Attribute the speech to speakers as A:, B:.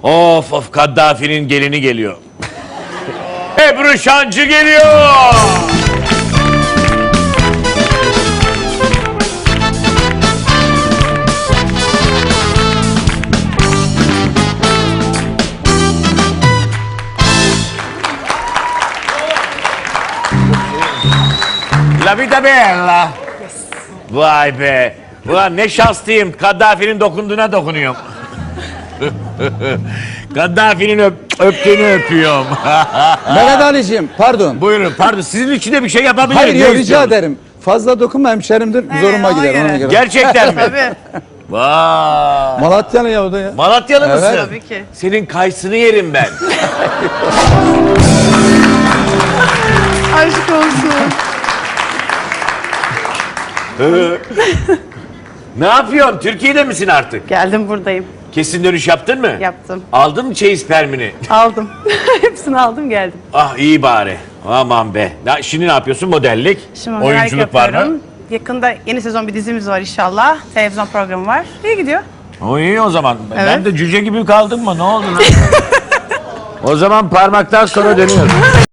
A: Of of, Kaddafi'nin gelini geliyor. Ebru Şancı geliyor. La vita bella. Vay be. Ulan ne şanslıyım. Kaddafi'nin dokunduğuna dokunuyorum. Kaddafi'nin öptüğünü öpüyorum.
B: Mehmet Ali'ciğim pardon.
A: Buyurun, pardon. Sizin için de bir şey yapabilirim.
B: Hayır
A: Ne
B: yok, rica
A: istiyorsunuz?
B: ederim. Fazla dokunma, hemşerimdir. Zoruma
C: ona
B: gider
C: göre.
B: ona göre.
A: Gerçekten mi?
C: Tabii.
A: Vay.
B: Malatyalı ya o da ya.
A: Malatyalı
B: Evet.
A: mısın?
C: Tabii ki.
A: Senin kayısını yerim ben.
C: Aşk olsun.
A: Ne yapıyorsun? Türkiye'de misin artık?
C: Geldim, buradayım.
A: Kesin dönüş yaptın mı?
C: Yaptım.
A: Aldın mı çeyiz permini?
C: Aldım. Hepsini aldım, geldim.
A: Ah iyi bari. Aman be. Şimdi ne yapıyorsun? Modellik,
C: Şimdi merak
A: oyunculuk var mı?
C: yapıyorum. Yakında yeni sezon bir dizimiz var inşallah. Televizyon programı var. İyi gidiyor.
A: O iyi o zaman. Ben
C: Evet.
A: de cüce gibi kaldım mı? Ne oldu lan? O zaman parmaktan sonra dönüyoruz.